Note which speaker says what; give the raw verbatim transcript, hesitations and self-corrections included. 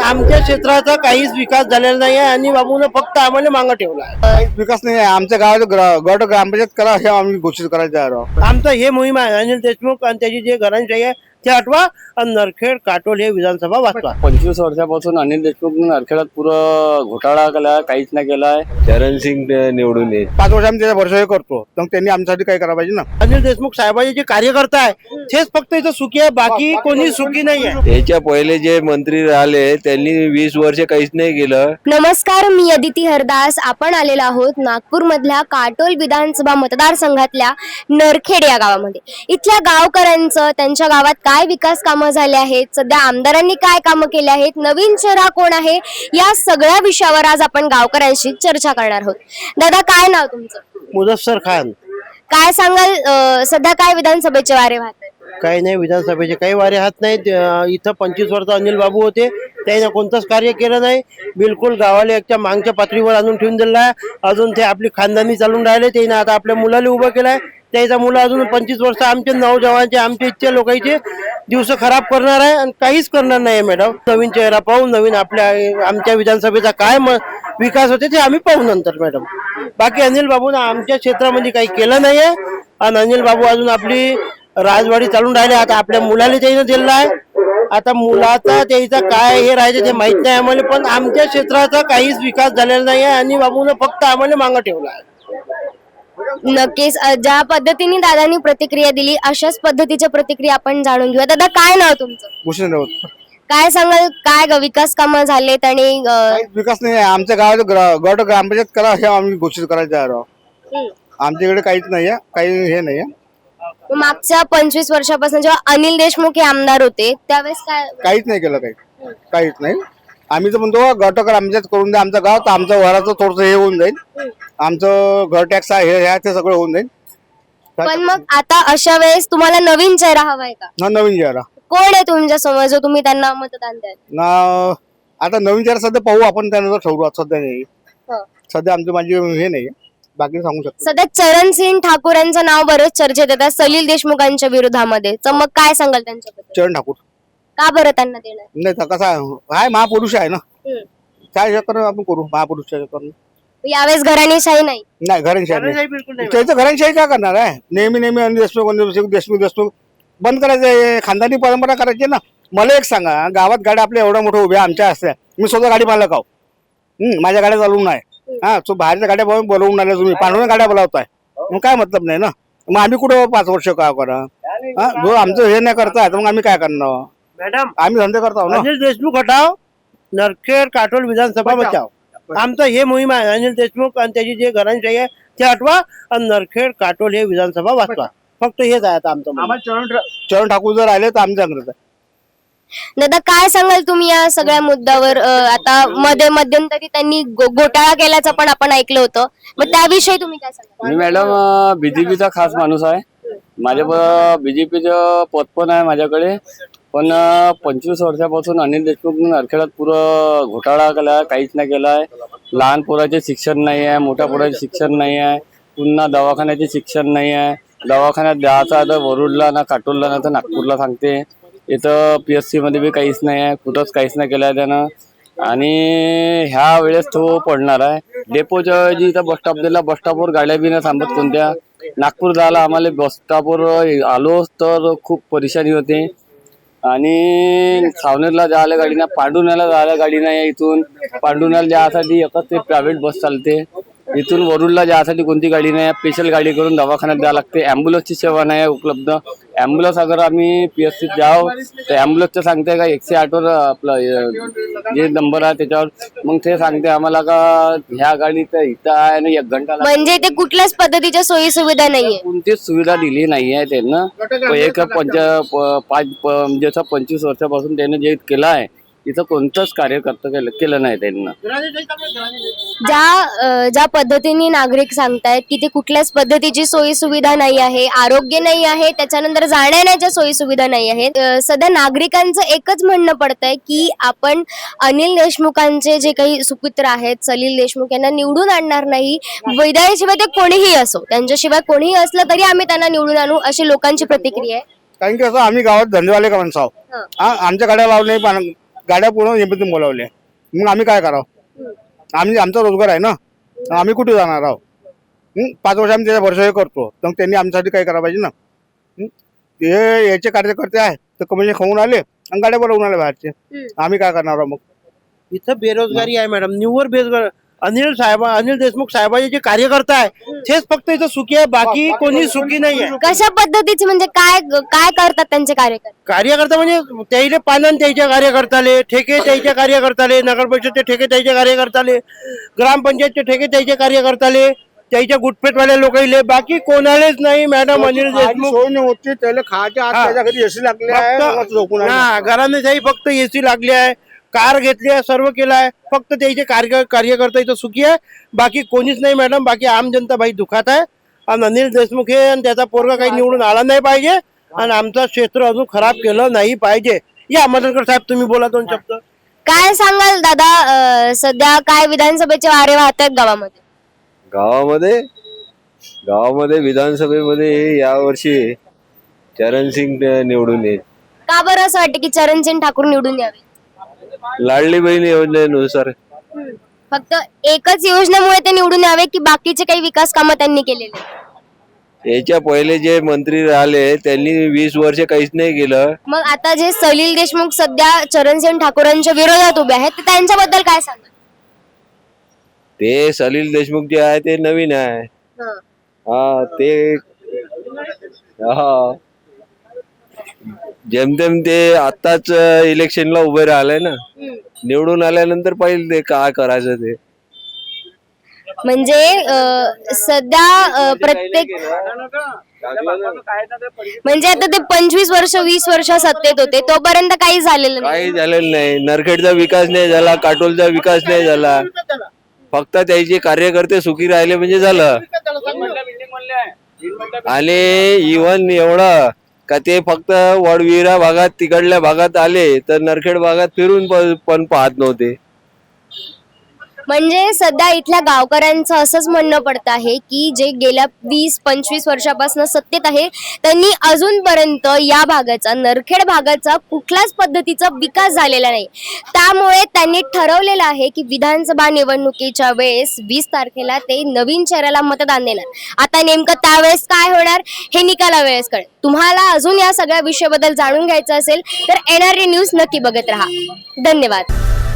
Speaker 1: आमच्या क्षेत्राचा काहीच विकास झालेला नाही आहे आणि बाबूने फक्त आम्हाला मागं ठेवला आहे.
Speaker 2: काहीच विकास नाही आहे. आमच्या गावात ग्र- गट ग्रामपंचायत करा हे आम्ही घोषित करायचं आहे.
Speaker 1: आमचं हे मोहीम आहे. अनिल देशमुख आणि त्याची जे घरांशाही आहे ते हटवा आणि नरखेड काटोल हे विधानसभा वाचवा.
Speaker 3: पंचवीस वर्षापासून अनिल देशमुखने नरखेडात पुरं घोटाळा केला, काहीच नाही केलाय.
Speaker 4: चरणसिंग निवडून येईल.
Speaker 2: पाच वर्ष आम्ही त्याचा भरोसा करतो, तर त्यांनी आमच्यासाठी काय करायला पाहिजे ना.
Speaker 1: अनिल देशमुख साहेबांचे जे कार्यकर्ता आहे तेच फक्त इथं सुखी आहे, बाकी कोणी सुखी नाही आहे.
Speaker 4: त्याच्या पहिले जे मंत्री राहिले त्यांनी वीस वर्ष काहीच नाही केलं.
Speaker 5: नमस्कार, मी अदिती हरदास. आपण आलेलो आहोत नागपूर मधल्या काटोल विधानसभा मतदारसंघातल्या नरखेड या गावामध्ये. इथल्या गावकऱ्यांचं त्यांच्या गावात काय विकास कामं झाले आहेत, सध्या आमदारांनी काय कामं केले आहेत, नवीन चेहरा कोण आहे, या सगळ्या विषयावर आज आपण गावकऱ्यांशी चर्चा करणार आहोत. दादा, काय नाव तुमचं?
Speaker 1: मुदस्सर खान.
Speaker 5: काय सांगाल, अं, सध्या काय विधानसभेचे वारे वाहत आहेत?
Speaker 1: काही नाही, विधानसभेचे काही वारे हात नाहीत. अं, इथं पंचवीस वर्ष अनिल बाबू होते, त्याने कोणतंच कार्य केलं नाही. बिलकुल गावाला एकच्या मागच्या पातळीवर आणून ठेवून दिलं आहे. अजून ते आपली खानदानी चालून राहिले. त्याने आता आपल्या मुलाला उभं केलंय. त्याचा मुलं अजून पंचवीस वर्ष आमचे नौजवानचे आमचे इच्छे लोकांचे दिवस खराब करणार आहे आणि काहीच करणार नाही. मॅडम, नवीन चेहरा पाहू, नवीन आपल्या आमच्या विधानसभेचा काय म विकास होते ते आम्ही पाहू नंतर. मॅडम, बाकी अनिल बाबूनं आमच्या क्षेत्रामध्ये काही केलं नाहीये आणि अनिल बाबू अजून आपली राजवाडी चालून राहिले. आता आपल्या मुलाला त्यानं दिलेलं आहे. आता मुलाचा त्याचा काय हे राहायचं ते माहित नाही आम्हाला, पण आमच्या क्षेत्राचा काहीच विकास झालेला नाही आहे आणि बाबूनं फक्त आम्हाला मागं ठेवला आहे.
Speaker 5: नक्कीच, अं, ज्या पद्धतीने दादांनी प्रतिक्रिया दिली अशाच पद्धतीच्या प्रतिक्रिया आपण जाणून घेऊया. दादा, काय नाव तुमचं?
Speaker 2: भूषण राऊत.
Speaker 5: काय सांगाल, काय ग- विकास कामं झालेत आणि अं,
Speaker 2: काहीच विकास नाही आहे. आमच्या गावात ग्र- गट ग्रामपंचायत करा हे आम्ही घोषित करायचं आहे. आमच्याकडे काहीच नाही आहे, काही हे नाही आहे.
Speaker 5: मागच्या पंचवीस वर्षापासून जेव्हा अनिल देशमुख हे आमदार होते त्यावेळेस काय
Speaker 2: काहीच नाही केलं, काही काहीच नाही. आम्ही तर म्हणतो गट ग्रामपंचायत करून द्या आमचं गाव, तर आमचं घराचं थोडंसं हे होऊन जाईल. आमचं घर टॅक्स आहे हे आहे ते सगळं होऊन जाईल.
Speaker 5: पण मग आता अशा वेळेस तुम्हाला नवीन चेहरा हवाय का?
Speaker 2: हा नवीन चेहरा
Speaker 5: कोण आहे तुमच्या समोर जो तुम्ही त्यांना मतदान द्याल?
Speaker 2: ना. आता नवीन चेहरा सध्या पाहू आपण, त्यानंतर ठरवू. आता सध्या नाही, सध्या आमची माझी हे नाही, बाकी सांगू शकतो.
Speaker 5: सध्या चरणसिंग ठाकूर यांचं नाव बरेच चर्चेत येतात सलील देशमुखांच्या विरोधामध्ये, तर मग काय सांगाल त्यांच्याबद्दल?
Speaker 2: चरण ठाकूर.
Speaker 5: का बरं त्यांना देणार?
Speaker 2: नाही तर कसा आहे, महापुरुष आहे ना,
Speaker 5: हम्म.
Speaker 2: काय चक्कर आपण करू महापुरुषच्या चक्कर.
Speaker 5: यावेळेस घराणेशाही नाही.
Speaker 2: नाही, घरांशाही नाही.
Speaker 1: बिलकुल नाही.
Speaker 2: त्याचं घरांशाही काय करणार आहे? नेहमी नेहमी अनिल देशमुख अनिल देशमुख देशमुख देशमुख बंद करायचं, खानदानी परंपरा करायची ना. मला एक सांगा, गावात गाड्या आपल्या एवढ्या मोठ्या उभ्या आमच्या असत्या, मी स्वतः गाडी मालक आहो. हम्म, माझ्या गाड्या चालवून नाही. हा, तो बाहेरच्या गाड्या बोलवून बोलवून आल्या तुम्ही, पांढऱ्या गाड्या बोलावताय, मग काय मतलब नाही ना. मग आम्ही कुठं पाच वर्ष काय करा? हा, जो आमचं हे नाही करताय तर मग आम्ही काय करणार?
Speaker 1: मॅडम,
Speaker 2: आम्ही धंदे करतो ना.
Speaker 1: अनिल देशमुख हटाव, नरखेड काटोल विधानसभा बचाव. आमचं हे मोहीम आहे. अनिल देशमुख आणि त्याची जे घरांशाही आहे ते हटवा आणि नरखेड काटोल हे विधानसभा वाचवा. फक्त हेच आहे आता आमचं मोहीम.
Speaker 2: चरण चरण ठाकूर जर आले तर आमच्या अंगणात आहे.
Speaker 5: दादा, काय सांगाल तुम्ही या सगळ्या मुद्द्यावर? अं, आता मध्ये मध्यंतरी त्यांनी गो- घोटाळा केल्याचं पण आपण ऐकलं होतं, मग त्याविषयी तुम्ही काय सांगाल?
Speaker 3: मी मॅडम बीजेपीचा खास माणूस आहे. माझ्या बीजेपीचं पद पण आहे माझ्याकडे. पण पंचवीस वर्षापासून अनिल देशमुखने नरखेडात पुरं घोटाळा केला, काहीच नाही केलाय. लहान पोराचे शिक्षण नाही आहे, मोठ्या पोराचे शिक्षण नाही आहे, पुन्हा दवाखान्याचे शिक्षण नाही आहे. दवाखान्यात द्यायचा आता वरुडला ना काटोलला ना तर नागपूरला सांगते. इथं पी एस सी मध्ये बी काहीच नाही आहे, कुठंच काहीच नाही केलं आहे त्यानं. आणि ह्या वेळेस तो पडणार आहे. डेपोच्या जी इथं बस स्टॉप दिला, बस स्टॉपवर गाड्या बी नाही थांबत कोणत्या. नागपूर जायला आम्हाला बस स्टॉपवर आलो तर खूप परेशानी होते. आणि सावनेरला जायला गाडी नाही, पांडुण्याला जायला गाडी नाही. इथून पांडुण्याला जायसाठी एकच ते प्रायव्हेट बस चालते. इथून वरुडला जायसाठी कोणती गाडी नाही, स्पेशल गाडी करून दवाखान्यात द्यावं लागते. ॲम्ब्युलन्सची सेवा नाही आहे उपलब्ध. ॲम्ब्युलन्स अगर आम्ही पी एस सीत जाव तर ॲम्ब्युलन्सचं सांगते का एकशे आठवर आपलं जे नंबर आहे त्याच्यावर, मग ते सांगते आम्हाला का ह्या गाडीत इथं आहे आणि एक घंटा लागतो.
Speaker 5: म्हणजे ते कुठल्याच पद्धतीच्या सोयी सुविधा नाहीये,
Speaker 3: कोणतीच सुविधा दिली नाही आहे त्यांना. एक पंच प- पाच प- म्हणजे असं पंचवीस वर्षापासून त्याने जे केलं आहे इथं कोणतंच कार्यकर्ता केलं केलं नाही त्यांना.
Speaker 5: ज्या अं, ज्या पद्धतीने नागरिक सांगतायत की ते कुठल्याच पद्धतीची सोयी सुविधा नाही आहे, आरोग्य नाही आहे, त्याच्यानंतर जाण्यायेण्याच्या सोयी सुविधा नाही आहेत. अं, सध्या नागरिकांचं एकच म्हणणं पडतंय की आपण अनिल देशमुखांचे जे काही सुपुत्र आहेत सलील देशमुख यांना निवडून आणणार नाही. वैद्यशिवाय ते कोणीही असो, त्यांच्याशिवाय कोणीही असलं तरी आम्ही त्यांना निवडून आणू, अशी लोकांची प्रतिक्रिया आहे.
Speaker 2: कारण की असं आम्ही गावात धंदेवाले का माणसं आहोत. हा, आमच्या गाड्या लावले गाड्या पूर्ण एमपीतून बोलावल्या. मग आम्ही काय करावं? आम्ही आमचा रोजगार आहे ना, आम्ही कुठे जाणार आहोत? हं? पाच वर्ष आम्ही त्याच्या भरोसा करतो, तर त्यांनी आमच्यासाठी काय करायला पाहिजे ना. हं? हे याचे कार्यकर्ते आहे तर कमिशन खाऊन आले आणि गाड्या बनवून आले बाहेरचे. आम्ही काय करणार आहोत मग?
Speaker 1: इथं बेरोजगारी आहे मॅडम, निव्वळ बेरोजगार. अनिल साहेब अनिल देशमुख साहेबांचे जे कार्यकर्ता आहे तेच फक्त इथं सुखी आहे, बाकी कोणी सुखी नाही आहे.
Speaker 5: कशा पद्धतीचे म्हणजे काय काय करतात त्यांचे कार्यकर्ते?
Speaker 1: कार्यकर्ता म्हणजे त्याईले पालन त्याच्या कार्यकर्ताले, ठेके त्याच्या कार्यकर्ताले, नगर परिषदचे ठेके त्याच्या कार्यकर्ताले, ग्रामपंचायतचे ठेके त्याच्या कार्यकर्ताले, त्याच्या गुटपेटवाल्या लोकांले, बाकी कोणालेच नाही मॅडम. अनिल देशमुख
Speaker 2: सोय नव्हती त्याला खायच्या आत
Speaker 1: हा.
Speaker 2: त्याच्या घरी एसी लागले आहे, मग झोपून आहे.
Speaker 1: हा घराने जाई फक्त एसी लागली आहे, कार घेतली आहे, सर्व केलं आहे. फक्त त्याचे कार्य कार्यकर्ता इथं सुखी आहे, बाकी कोणीच नाही मॅडम. बाकी आम जनता बाई दुखात आहे. आणि अनिल देशमुख हे आणि त्याचा पोरगा काही निवडून आला नाही पाहिजे आणि आमचं क्षेत्र अजून खराब केलं नाही पाहिजे. या मदनकर साहेब तुम्ही बोला दोन शब्द.
Speaker 5: काय सांगाल दादा, अं, सध्या काय विधानसभेचे वारे वाहत आहेत गावामध्ये?
Speaker 4: गावामध्ये गावामध्ये विधानसभेमध्ये यावर्षी चरणसिंग निवडून येईल.
Speaker 5: का बरं असं वाटतं की चरणसिंग ठाकूर निवडून यावे?
Speaker 4: लाडली बहीण योजनेनुसार.
Speaker 5: फक्त एकच योजनेमुळे ते निवडून यावे की बाकीचे काही विकास कामं त्यांनी केलेले?
Speaker 4: याच्या पहिले जे मंत्री राहिले त्यांनी वीस वर्ष काहीच नाही केलं.
Speaker 5: मग आता जे सलील देशमुख सध्या चरणसिंग ठाकूरांच्या विरोधात उभे आहेत, तर त्यांच्याबद्दल काय सांगाल?
Speaker 4: ते सलील देशमुख जे आहे ते नवीन आहे. हा ते हा जेमतेम ते आताच इलेक्शनला उभे राहिले ना, निवडून आल्यानंतर पाहिजे ते काय करायचं ते.
Speaker 5: म्हणजे अं, सध्या अं, प्रत्येक म्हणजे आता ते पंचवीस वर्ष वीस वर्ष सत्तेत होते तोपर्यंत काही झालेलं नाही.
Speaker 4: काही झालेलं नाही. नरखेडचा विकास नाही झाला, काटोलचा विकास नाही झाला. फक्त त्याचे कार्यकर्ते सुखी राहिले म्हणजे झालं. आणि इव्हन एवढं का ते फक्त वडविरा भागात तिकडल्या भागात आले तर नरखेड भागात फिरून प- पण पाहत नव्हते.
Speaker 5: म्हणजे सध्या इथल्या गावकऱ्यांचं असंच म्हणणं पडतं आहे की जे गेल्या वीस पंचवीस वर्षापासून सत्तेत आहे त्यांनी अजूनपर्यंत या भागाचा, नरखेड भागाचा कुठल्याच पद्धतीचा विकास झालेला नाही. त्यामुळे त्यांनी ठरवलेलं आहे की विधानसभा निवडणुकीच्या वेळेस वीस तारखेला ते नवीन चेहऱ्याला मतदान देणार. आता नेमकं त्यावेळेस काय होणार हे निकाला वेळेस कळेल. तुम्हाला अजून या सगळ्या विषयाबद्दल जाणून घ्यायचं असेल तर एनआरडी न्यूज नक्की बघत राहा. धन्यवाद.